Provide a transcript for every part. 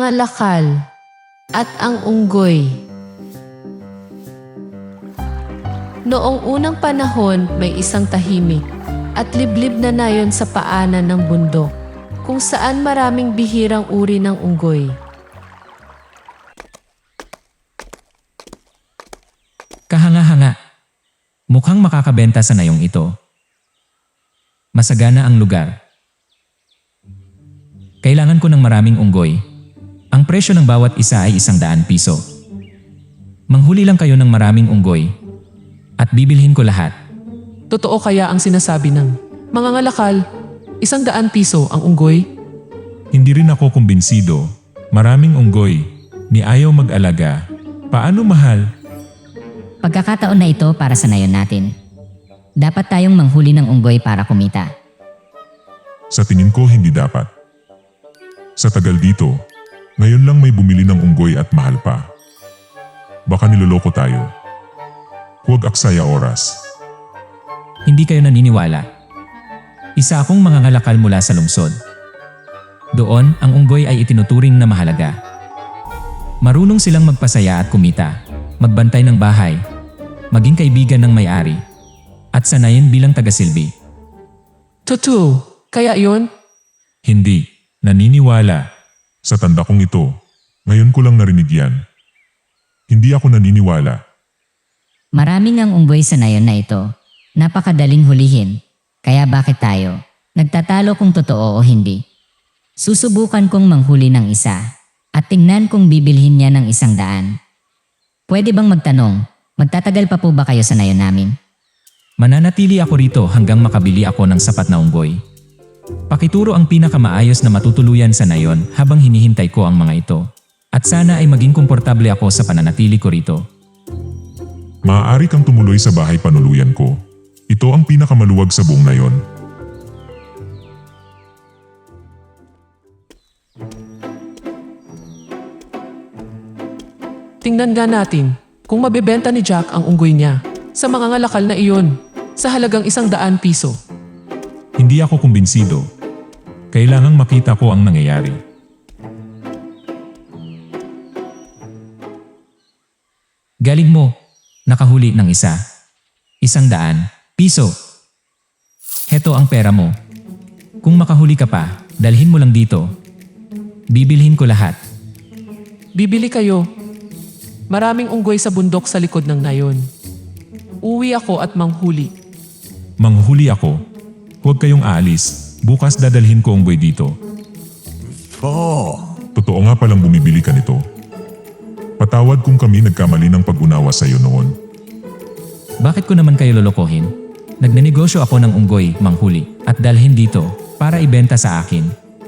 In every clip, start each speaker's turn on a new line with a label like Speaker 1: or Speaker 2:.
Speaker 1: Mangangalakal at ang unggoy. Noong unang panahon may isang tahimik at liblib na nayon sa paanan ng bundok kung saan maraming bihirang uri ng unggoy.
Speaker 2: Kahanga-hanga. Mukhang makakabenta sa nayong ito. Masagana ang lugar. Kailangan ko ng maraming unggoy. Ang presyo ng bawat isa ay 100 piso. Manghuli lang kayo ng maraming unggoy at bibilhin ko lahat.
Speaker 1: Totoo kaya ang sinasabi ng mangangalakal, 100 piso ang unggoy?
Speaker 3: Hindi rin ako kumbinsido. Maraming unggoy. Ni ayaw mag-alaga. Paano mahal?
Speaker 4: Pagkakataon na ito para sa nayon natin. Dapat tayong manghuli ng unggoy para kumita.
Speaker 3: Sa tingin ko hindi dapat. Sa tagal dito, ngayon lang may bumili ng unggoy at mahal pa. Baka niloloko tayo. Huwag aksaya oras.
Speaker 2: Hindi kayo naniniwala. Isa akong mangangalakal mula sa lungsod. Doon, ang unggoy ay itinuturing na mahalaga. Marunong silang magpasaya at kumita, magbantay ng bahay, maging kaibigan ng may-ari, at sanayin bilang tagasilbi.
Speaker 1: Totoo, kaya yon?
Speaker 3: Hindi. Naniniwala. Sa tanda kong ito, ngayon ko lang narinig yan. Hindi ako naniniwala.
Speaker 4: Maraming ang unggoy sa nayon na ito. Napakadaling hulihin. Kaya bakit tayo nagtatalo kung totoo o hindi? Susubukan kong manghuli ng isa at tingnan kung bibilhin niya ng 100. Pwede bang magtanong, magtatagal pa po ba kayo sa nayon namin?
Speaker 2: Mananatili ako rito hanggang makabili ako ng sapat na unggoy. Pakituro ang pinakamaayos na matutuluyan sa nayon habang hinihintay ko ang mga ito. At sana ay maging komportable ako sa pananatili ko rito.
Speaker 3: Maaari kang tumuloy sa bahay panuluyan ko. Ito ang pinakamaluwag sa buong nayon.
Speaker 1: Tingnan nga natin kung mabebenta ni Jack ang unggoy niya sa mangangalakal na iyon sa halagang 100 piso.
Speaker 3: Hindi ako kumbinsido. Kailangang makita ko ang nangyayari.
Speaker 2: Galing mo, nakahuli ng isa. 100 piso. Heto ang pera mo. Kung makahuli ka pa, dalhin mo lang dito. Bibilhin ko lahat.
Speaker 1: Bibili kayo. Maraming unggoy sa bundok sa likod ng nayon. Uwi ako at manghuli.
Speaker 3: Manghuli ako. Huwag kayong aalis. Bukas dadalhin ko unggoy dito. Totoo nga palang bumibili ka nito. Patawad kung kami nagkamali ng pag-unawa sa iyo noon.
Speaker 2: Bakit ko naman kayo lolokohin? Nagnenegosyo ako ng unggoy, manghuli, at dalhin dito para ibenta sa akin.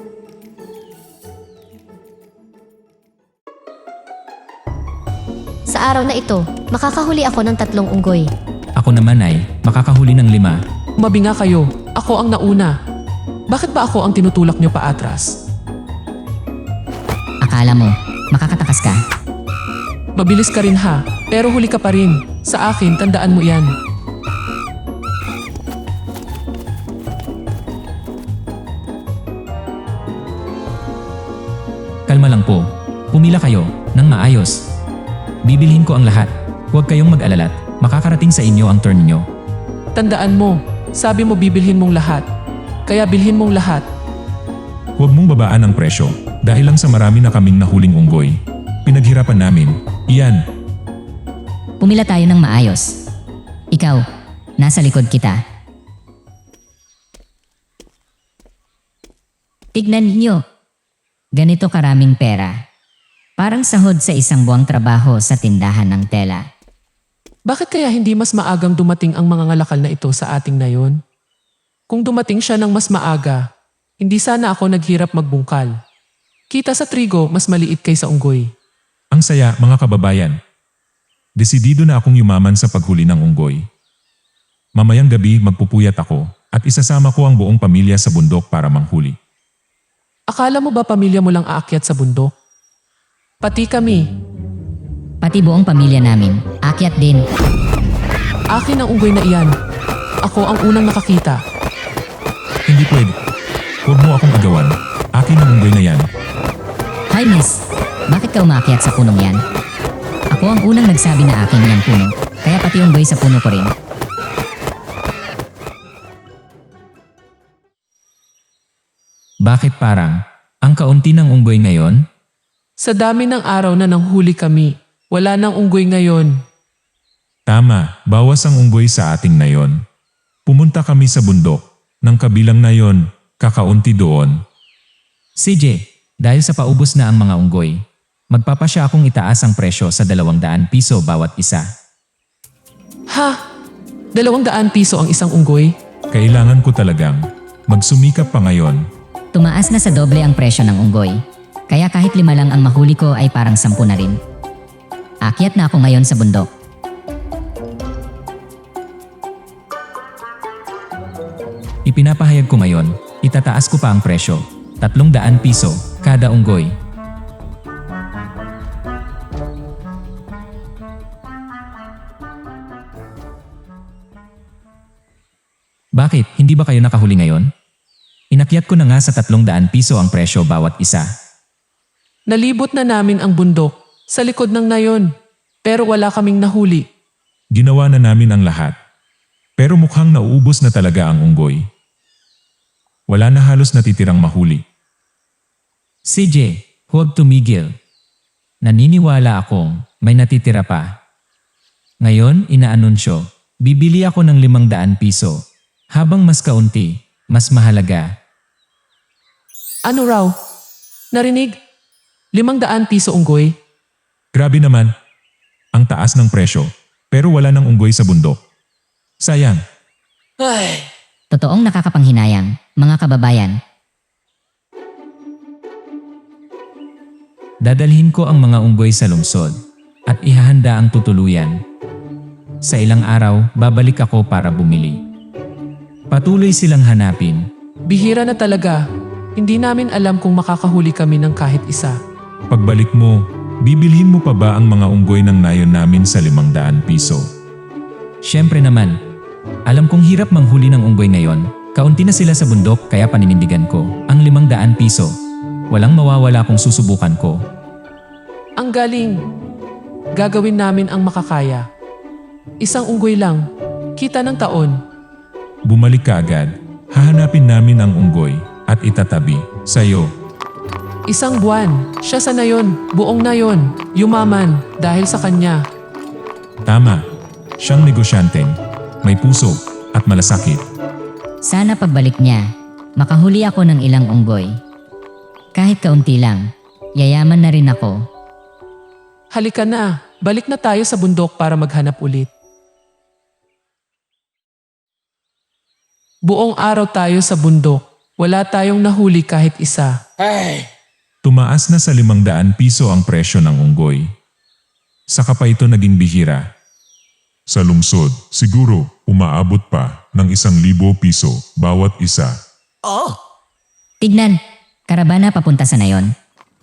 Speaker 5: Sa araw na ito, makakahuli ako ng 3 unggoy.
Speaker 2: Ako naman ay makakahuli ng 5.
Speaker 1: Umabi nga kayo, ako ang nauna. Bakit ba ako ang tinutulak niyo pa atras?
Speaker 4: Akala mo, makakatakas ka?
Speaker 1: Mabilis ka rin ha, pero huli ka pa rin. Sa akin, tandaan mo yan.
Speaker 2: Kalma lang po. Pumila kayo ng maayos. Bibilhin ko ang lahat. Huwag kayong mag-alalat. Makakarating sa inyo ang turn niyo.
Speaker 1: Tandaan mo, sabi mo bibilhin mong lahat. Kaya bilhin mong lahat.
Speaker 3: Huwag mong babaan ang presyo dahil lang sa marami na kaming nahuling unggoy. Pinaghirapan namin. Iyan.
Speaker 4: Pumila tayo ng maayos. Ikaw, nasa likod kita. Tignan ninyo. Ganito karaming pera. Parang sahod sa isang buwang trabaho sa tindahan ng tela.
Speaker 1: Bakit kaya hindi mas maagang dumating ang mga ngalakal na ito sa ating nayon? Kung dumating siya ng mas maaga, hindi sana ako naghirap magbungkal. Kita sa trigo, mas maliit kaysa unggoy.
Speaker 3: Ang saya, mga kababayan. Desidido na akong yumaman sa paghuli ng unggoy. Mamayang gabi magpupuyat ako at isasama ko ang buong pamilya sa bundok para manghuli.
Speaker 1: Akala mo ba pamilya mo lang aakyat sa bundok? Pati kami.
Speaker 4: Pati buong pamilya namin, akyat din.
Speaker 1: Akin ang unggoy na iyan. Ako ang unang nakakita.
Speaker 3: Hindi pwede. Huwag mo akong agawan. Akin ang unggoy na yan.
Speaker 4: Hi miss, Bakit ka umakyat sa punong yan? Ako ang unang nagsabi na akin yung puno, kaya pati unggoy sa puno ko rin.
Speaker 2: Bakit parang ang kaunti ng unggoy ngayon?
Speaker 1: Sa dami ng araw na nanghuli kami, wala nang unggoy ngayon.
Speaker 3: Tama, bawas ang unggoy sa ating nayon. Pumunta kami sa bundok, ng kabilang nayon, kakaunti doon.
Speaker 2: CJ, dahil sa paubos na ang mga unggoy, magpapasya akong itaas ang presyo sa 200 piso bawat isa.
Speaker 1: Ha? 200 piso ang isang unggoy?
Speaker 3: Kailangan ko talagang magsumikap pa ngayon.
Speaker 4: Tumaas na sa doble ang presyo ng unggoy, kaya kahit 5 lang ang mahuli ko ay parang 10 na rin. Akyat na ako ngayon sa bundok.
Speaker 2: Ipinapahayag ko ngayon, itataas ko pa ang presyo, 300 piso kada unggoy. Bakit, hindi ba kayo nakahuli ngayon? Inakyat ko na nga sa 300 piso ang presyo bawat isa.
Speaker 1: Nalibot na namin ang bundok sa likod ng nayon, pero wala kaming nahuli.
Speaker 3: Ginawa na namin ang lahat. Pero mukhang nauubos na talaga ang unggoy. Wala na halos natitirang mahuli.
Speaker 2: CJ, huwag tumigil. Naniniwala akong may natitira pa. Ngayon, inaanunsyo, bibili ako ng 500 piso. Habang mas kaunti, mas mahalaga.
Speaker 1: Ano raw? Narinig? 500 piso unggoy?
Speaker 3: Grabe naman. Ang taas ng presyo, pero wala ng unggoy sa bundok. Sayang.
Speaker 4: Totoong nakakapanghinayang, mga kababayan.
Speaker 2: Dadalhin ko ang mga unggoy sa lungsod at ihahanda ang tutuluyan. Sa ilang araw, babalik ako para bumili. Patuloy silang hanapin.
Speaker 1: Bihira na talaga. Hindi namin alam kung makakahuli kami ng kahit isa.
Speaker 3: Pagbalik mo, bibilhin mo pa ba ang mga unggoy ng nayon namin sa 500 piso?
Speaker 2: Siyempre naman, alam kong hirap manghuli ng unggoy ngayon. Kaunti na sila sa bundok kaya paninindigan ko ang 500 piso. Walang mawawala kung susubukan ko.
Speaker 1: Ang galing. Gagawin namin ang makakaya. Isang unggoy lang. Kita ng taon.
Speaker 3: Bumalik ka agad. Hahanapin namin ang unggoy at itatabi sa'yo.
Speaker 1: Isang buwan. Siya sa nayon. Buong nayon. Yumaman dahil sa kanya.
Speaker 3: Tama. Siyang negosyanteng may puso at malasakit.
Speaker 4: Sana pagbalik niya, makahuli ako ng ilang unggoy. Kahit kaunti lang, yayaman na rin ako.
Speaker 1: Halika na. Balik na tayo sa bundok para maghanap ulit. Buong araw tayo sa bundok. Wala tayong nahuli kahit isa.
Speaker 3: Tumaas na sa 500 piso ang presyo ng unggoy. Saka pa ito naging bihira. Sa lungsod, siguro umaabot pa ng 1,000 piso bawat isa.
Speaker 4: Tignan, karavana papunta sa nayon.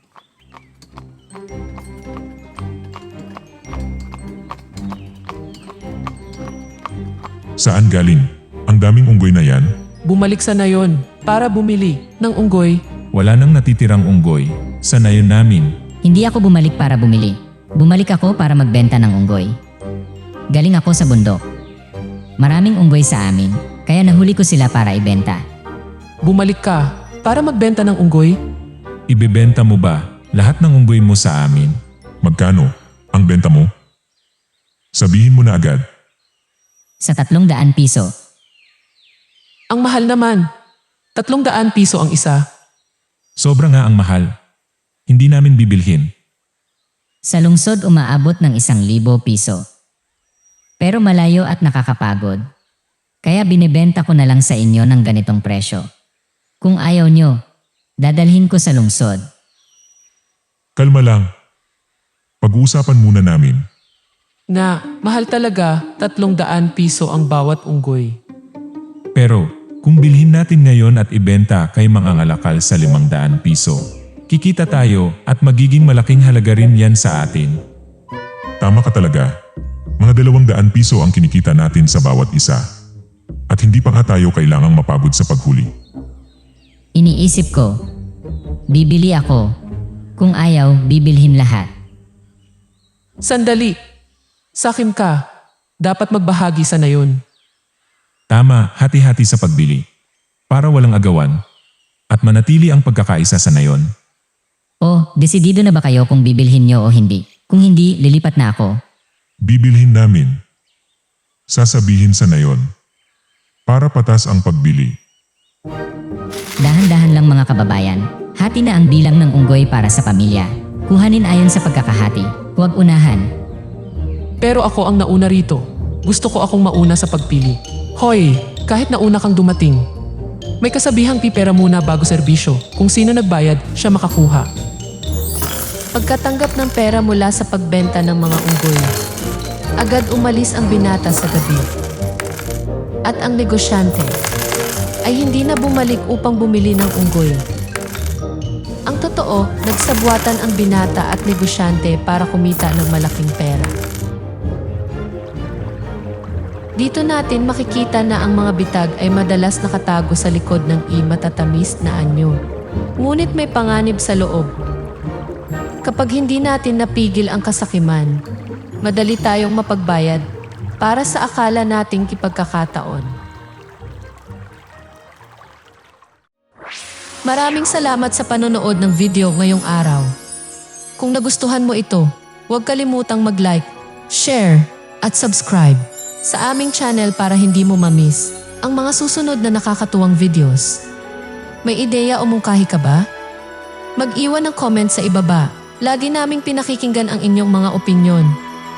Speaker 3: Saan galing? Ang daming unggoy na yan?
Speaker 1: Bumalik sa nayon para bumili ng unggoy.
Speaker 3: Wala nang natitirang unggoy sa nayon namin.
Speaker 4: Hindi ako bumalik para bumili. Bumalik ako para magbenta ng unggoy. Galing ako sa bundok. Maraming unggoy sa amin, kaya nahuli ko sila para ibenta.
Speaker 1: Bumalik ka para magbenta ng unggoy?
Speaker 3: Ibebenta mo ba lahat ng unggoy mo sa amin? Magkano ang benta mo? Sabihin mo na agad.
Speaker 4: Sa 300 piso.
Speaker 1: Ang mahal naman. 300 piso ang isa.
Speaker 3: Sobra nga ang mahal. Hindi namin bibilhin.
Speaker 4: Sa lungsod umaabot ng 1,000 piso. Pero malayo at nakakapagod. Kaya binibenta ko na lang sa inyo ng ganitong presyo. Kung ayaw nyo, dadalhin ko sa lungsod.
Speaker 3: Kalma lang. Pag-uusapan muna namin.
Speaker 1: Na mahal talaga 300 piso ang bawat unggoy.
Speaker 3: Pero kung bilhin natin ngayon at ibenta kay mga ngalakal sa 500 piso, kikita tayo at magiging malaking halaga rin yan sa atin. Tama ka talaga. Mga 200 piso ang kinikita natin sa bawat isa. At hindi pa nga tayo kailangang mapagod sa paghuli.
Speaker 4: Iniisip ko, bibili ako, Kung ayaw, bibilhin lahat.
Speaker 1: Sandali. Sakim ka. Dapat magbahagi sa nayon.
Speaker 2: Tama, hati-hati sa pagbili. Para walang agawan. At manatili ang pagkakaisa sa nayon.
Speaker 4: O, desidido na ba kayo kung bibilhin nyo o hindi? Kung hindi, lilipat na ako.
Speaker 3: Bibilhin namin. Sasabihin sa nayon. Para patas ang pagbili.
Speaker 4: Dahan-dahan lang mga kababayan. Hati na ang bilang ng unggoy para sa pamilya. Kuhanin ayon sa pagkakahati. Huwag unahan.
Speaker 1: Pero ako ang nauna rito. Gusto ko akong mauna sa pagpili. Hoy, kahit nauna kang dumating. May kasabihang pipera muna bago serbisyo. Kung sino nagbayad, siya makakuha.
Speaker 5: Pagkatanggap ng pera mula sa pagbenta ng mga unggoy, agad umalis ang binata sa gabi. At ang negosyante ay hindi na bumalik upang bumili ng unggoy. Ang totoo, nagsabwatan ang binata at negosyante para kumita ng malaking pera. Dito natin makikita na ang mga bitag ay madalas nakatago sa likod ng matatamis na anyo. Ngunit may panganib sa loob. Kapag hindi natin napigil ang kasakiman, madali tayong mapagbayad para sa akala nating kipagkakataon. Maraming salamat sa panonood ng video ngayong araw. Kung nagustuhan mo ito, huwag kalimutang mag-like, share, at subscribe sa aming channel para hindi mo ma-miss ang mga susunod na nakakatuwang videos. May ideya o mungkahi ka ba? Mag-iwan ng comment sa ibaba. Lagi naming pinakikinggan ang inyong mga opinyon.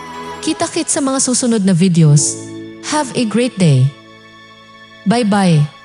Speaker 5: Kita-kits sa mga susunod na videos. Have a great day. Bye-bye.